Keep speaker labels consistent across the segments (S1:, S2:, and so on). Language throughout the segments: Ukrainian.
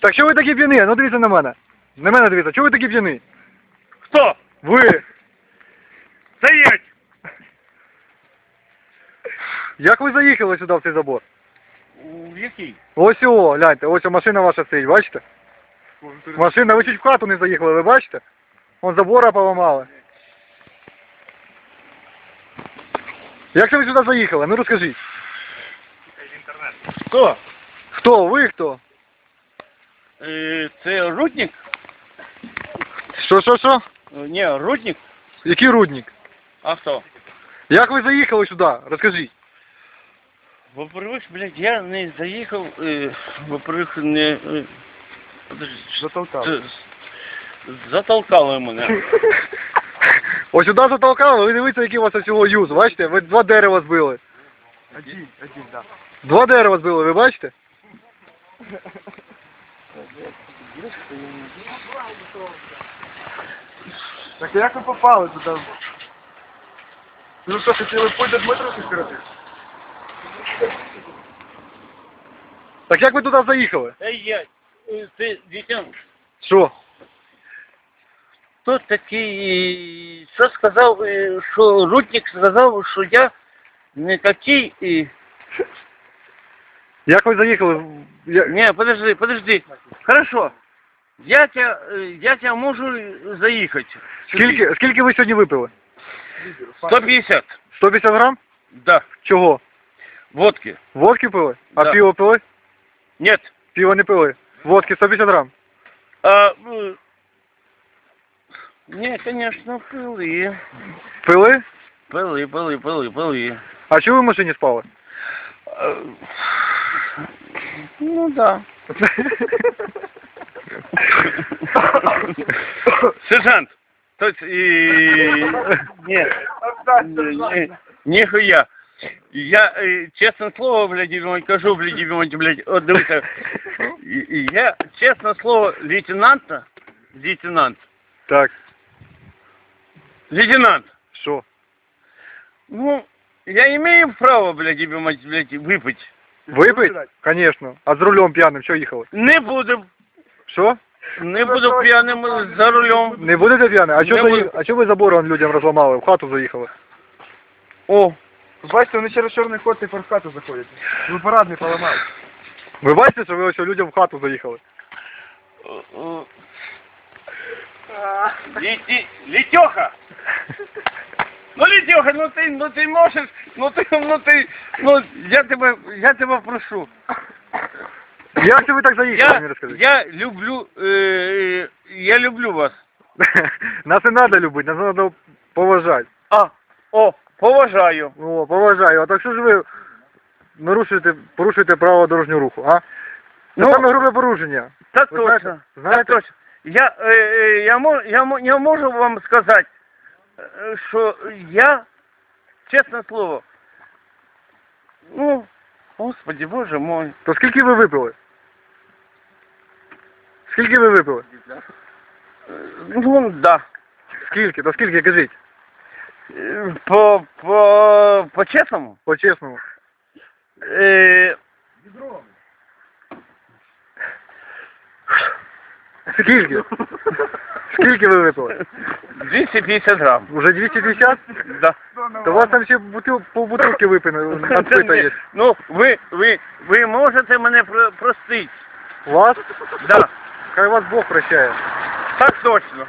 S1: Так що ви такі п'яні? Ну дивіться на мене. На мене дивіться. Чого ви такі п'яні?
S2: Хто?
S1: Ви.
S2: Стоять!
S1: Як ви заїхали сюди в цей забор?
S2: В який?
S1: Ось о, гляньте, ось о, машина ваша стоїть, бачите? Машина, ви чуть в хату не заїхали, ви бачите? Вон забора поламали. Як це ви сюди заїхали? Ну розкажіть.
S2: Хто?
S1: Хто? Ви хто?
S2: Це Рудник?
S1: Що?
S2: Ні, Рудник.
S1: Який рудник?
S2: А хто?
S1: Як ви заїхали сюди? Розкажіть.
S2: Во-первых, блядь, я не заїхав, во-первых, не... Подожди,
S1: Затолкали.
S2: Затолкали мене.
S1: Ось сюди затолкали, ви дивіться, який у вас всього юз, бачите? Ви два дерева збили.
S3: Один, да.
S1: Два дерева збили, ви бачите?
S3: Так як ви попали туди? Ну що, хотіли путь до Дмитра скоротити?
S1: Так як ви туди заїхали?
S2: Ти, дитя,
S1: Що?
S2: хто такий, що сказав, що Рудник сказав, що я не такий,
S1: Як ви заїхали?
S2: Не, подожди. Хорошо. Я тебя можу заїхати.
S1: Скільки ви сьогодні випили?
S2: 150.
S1: 150 грам?
S2: Да.
S1: Чого?
S2: Водки.
S1: Водки пили? А
S2: Да.
S1: пиво пили?
S2: Нет.
S1: Пиво не пили. Водки 150 грам.
S2: Не, конечно, пили.
S1: Пили?
S2: Пили.
S1: А чого ви в машині спали?
S2: Ну да. Сержант. То есть, нихуя. Я, честное слово, блядь, кажу, блядь, от дивіться. Я, честное слово, лейтенант.
S1: Так.
S2: Лейтенант.
S1: Що?
S2: Ну, я имею право, блядь, выпить.
S1: Випить? Конечно. А з рулем п'яним що їхали?
S2: Не буду.
S1: Що?
S2: Не буду п'яним за рулем.
S1: Не будете п'яним?
S2: Не
S1: А чого ви забор вон людям розламали? В хату заїхали?
S2: О,
S3: Бачите, вони через чорний ход тепер в хату заходять. Ви парадний поламали.
S1: Ви бачите, що ви ось людям в хату заїхали?
S2: Летеха! Ну, Летеха, ну ты можешь, я тебе прошу.
S1: Як це ви так заїхали, мені розкажіть?
S2: Я люблю вас.
S1: Нас не треба любити, нас треба поважати.
S2: Поважаю.
S1: О, поважаю. А так що ж ви порушуєте право дорожнього руху, а? Це
S2: Ну,
S1: саме грубе порушення.
S2: Так
S1: Ви
S2: точно.
S1: знаєте?
S2: Так точно. Я можу вам сказати, що я, чесне слово, ну, Господи, Боже мой.
S1: То скільки ви випили? Скільки ви випили?
S2: Ну, да.
S1: Скільки? То скільки, кажіть?
S2: По-чесному?
S1: По-чесному. Скільки? Скільки ви випили?
S2: 250 грам.
S1: Уже 250?
S2: Да.
S1: То у вас там ще полбутилки надпита є.
S2: Ну, ви можете мене простити.
S1: Вас?
S2: Да.
S1: Хай вас Бог прощає.
S2: Так точно.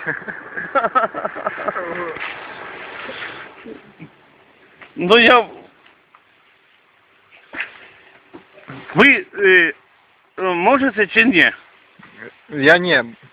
S2: Ну я... Ви можете чи ні?
S1: Я не.